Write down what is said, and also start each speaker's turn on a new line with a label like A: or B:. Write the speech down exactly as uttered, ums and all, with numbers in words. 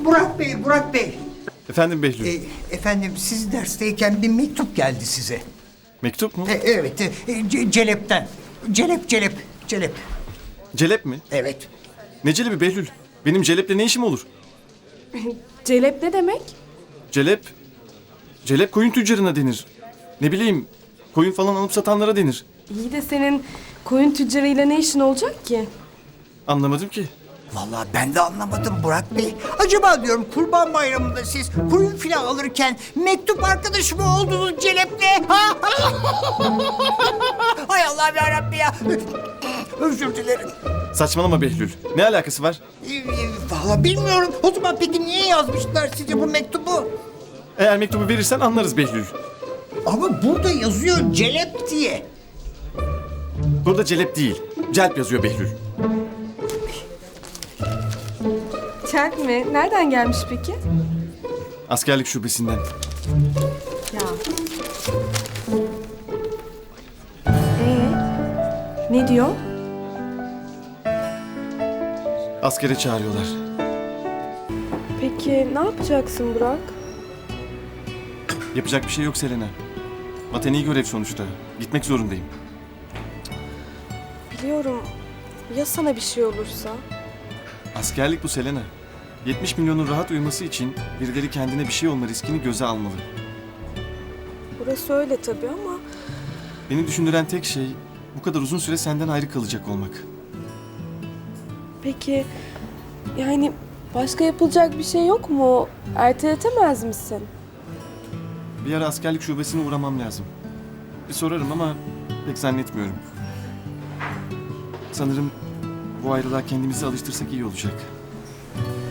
A: Burak Bey, Burak Bey.
B: Efendim Behlül.
A: E, efendim siz dersteyken bir mektup geldi size.
B: Mektup mu?
A: E, evet, e, Ce- Celep'ten. Celep, Celep, Celep.
B: Celep mi?
A: Evet.
B: Ne celebi Behlül? Benim Celep'le ne işim olur?
C: Celep ne demek?
B: Celep... Celep koyun tüccarına denir. Ne bileyim, koyun falan alıp satanlara denir.
C: İyi de senin koyun tüccarıyla ne işin olacak ki?
B: Anlamadım ki.
A: Vallahi ben de anlamadım Burak Bey. Acaba diyorum Kurban Bayramı'nda siz koyun filan alırken mektup arkadaşı mı oldunuz Celep'le? Ha? Hay Allah yarabbim ya. Özür dilerim.
B: Saçmalama Behlül. Ne alakası var?
A: Ee, e, Vallahi bilmiyorum. O zaman peki niye yazmışlar size bu mektubu?
B: Eğer mektubu verirsen anlarız Behlül.
A: Ama burada yazıyor Celep diye.
B: Burada Celep değil, Celp yazıyor Behlül.
C: Çelp mi? Nereden gelmiş peki?
B: Askerlik şubesinden.
C: Ya. Ee, ne diyor?
B: Askere çağırıyorlar.
C: Peki ne yapacaksın Burak?
B: Yapacak bir şey yok Selena. Vatani görev sonuçta. Gitmek zorundayım.
C: Biliyorum. Ya sana bir şey olursa?
B: Askerlik bu Selena. yetmiş milyonun rahat uyuması için birileri kendine bir şey olma riskini göze almalı.
C: Burası öyle tabii ama...
B: Beni düşündüren tek şey bu kadar uzun süre senden ayrı kalacak olmak.
C: Peki... Yani başka yapılacak bir şey yok mu? Erteletemez misin?
B: Bir ara askerlik şubesine uğramam lazım. Bir sorarım ama pek zannetmiyorum. Sanırım bu ayrılığa kendimizi alıştırsak iyi olacak.